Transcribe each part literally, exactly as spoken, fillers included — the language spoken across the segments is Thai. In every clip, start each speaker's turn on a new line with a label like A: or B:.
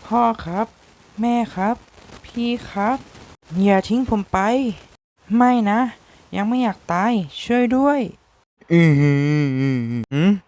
A: พ่อครับแม่ครับพี่ครับอย่าทิ้งผมไปไม่นะยังไม่อยากตายช่วยด้วยอืมอืม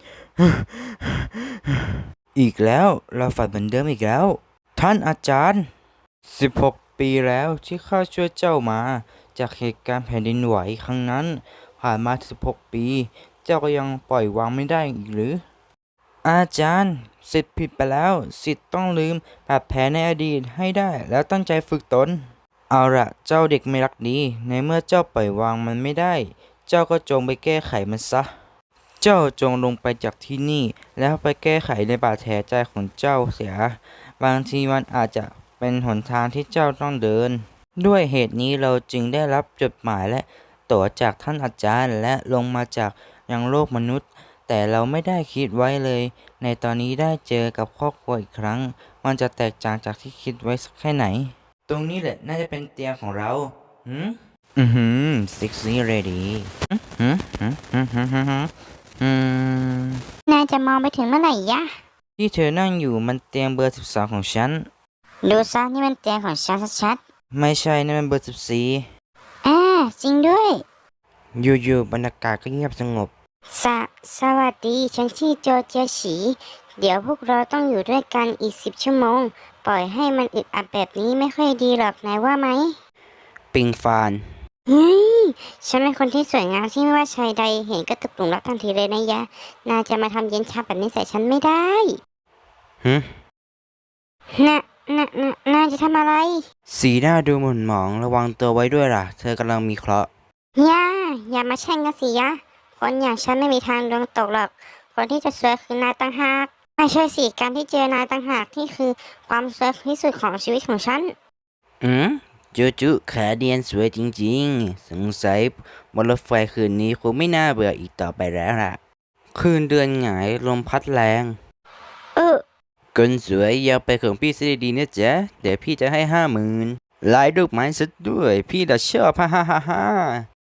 A: อีกแล้วเราฝันเหมือนเดิมอีกแล้วท่านอาจารย์สิบหกปีแล้วที่ข้าช่วยเจ้ามาจากเหตุการณ์แผ่นดินไหวครั้งนั้นผ่านมาสิบหกปีเจ้าก็ยังปล่อยวางไม่ได้อีกหรืออาจารย์สิทธิ์ผิดไปแล้วสิทธิ์ต้องลืมบาดแผลในอดีตให้ได้แล้วตั้งใจฝึกตนเอาละเจ้าเด็กไม่รักดีในเมื่อเจ้าปล่อยวางมันไม่ได้เจ้าก็จงไปแก้ไขมันซะเจ้าจงลงไปจากที่นี่แล้วไปแก้ไขในบาดแผลใจของเจ้าเสียบางทีมันอาจจะเป็นหนทางที่เจ้าต้องเดินด้วยเหตุนี้เราจึงได้รับจดหมายและตั๋วจากท่านอาจารย์และลงมาจากยังโลกมนุษย์แต่เราไม่ได้คิดไว้เลยในตอนนี้ได้เจอกับครอบครัวอีกครั้งมันจะแตกต่างจากที่คิดไว้สักแค่ไหนตรงนี้แหละน่าจะเป็นเตียงของเราหืมอือหือซิกซี่เรดี้หืมหืมหืมหืมหืมหืมอืม
B: นายจะมองไปถึงเมื่อไหร่ยะ
A: ที่เธอนั่งอยู่มันเตียงเบอร์สิบสองของฉัน
B: ดูซะนี่มันเตียงของฉันชัด
A: ไม่ใช่นั่นมันเบอร์สิบสี่
B: ๆอ่าจริงด้วย
A: อยู่ๆบรรยากาศก็เงียบสงบ
B: สะสวัสดีฉันชื่อโจเจียฉี เดี๋ยวพวกเราต้องอยู่ด้วยกันอีกสิบชั่วโมง ปล่อยให้มันอึดอัดแบบนี้ไม่ค่อยดีหรอกนายว่าไหม
A: ปิงฟาน
B: เฮ้ยฉันเป็นคนที่สวยงามที่ไม่ว่าชายใดเห็นก็ตกหลุมรักทันทีเลยนะยะนายจะมาทำเย็นชาแบบนี้ใส่ฉันไม่ได้
A: ฮึ
B: น่ะน่ะน่ะนายจะทำอะไร
A: สีหน้าดูหม่นหมองระวังตัวไว้ด้วยล่ะเธอกำลังมีเคราะห์
B: ย่าอย่ามาแช่งกันสิยะคนอย่างฉันไม่มีทางดวงตกหรอกคนที่จะสวยคือนายต่างหากไม่ใช่สิการที่เจอนายต่างหากที่คือความสวยที่สุดของชีวิตของฉัน
A: อืมจูจูขาเดียนสวยจริงๆสงสัยบนรถไฟคืนนี้คงไม่น่าเบื่ออีกต่อไปแล้วล่ะคืนเดือนหงายลมพัดแรง
B: เออ
A: คนสวยอย่าไปของพี่ซะดีๆนะจ๊ะเดี๋ยวพี่จะให้ห้าหมื่นลายดอกไม้ซะด้วยพี่จะชอบฮ่าฮ่าฮ่าฮ่า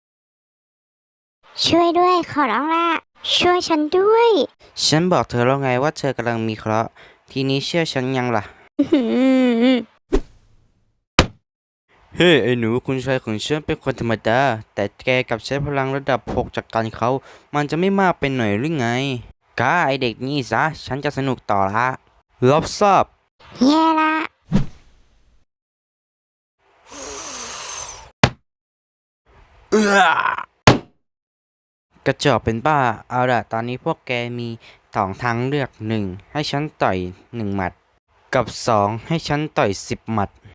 B: ช่วยด้วยขอร้องละช่วยฉันด้วย
A: ฉันบอกเธอแล้วไงว่าเธอกำลังมีเคราะห์ทีนี้เชื่อฉันยังล่ะ
B: อื้อหือ
A: เฮ้ hey, ไอ้หนูคุณชายของฉันเป็นคนธรรมดา แต่แกกลับใช้พลังระดับหกจากการเขา มันจะไม่มากไปหน่อยหรือไงก้าไอเด็กนี่ซะ ฉันจะสนุกต่อละรับทราบ
B: แย่ละ
A: เอื้อกระจอกเป็นบ้า เอาล่ะ ตอนนี้พวกแกมีสองทางเลือกหนึ่งให้ฉันต่อยหนึ่งหมัด กับสองให้ฉันต่อยสิบหมัด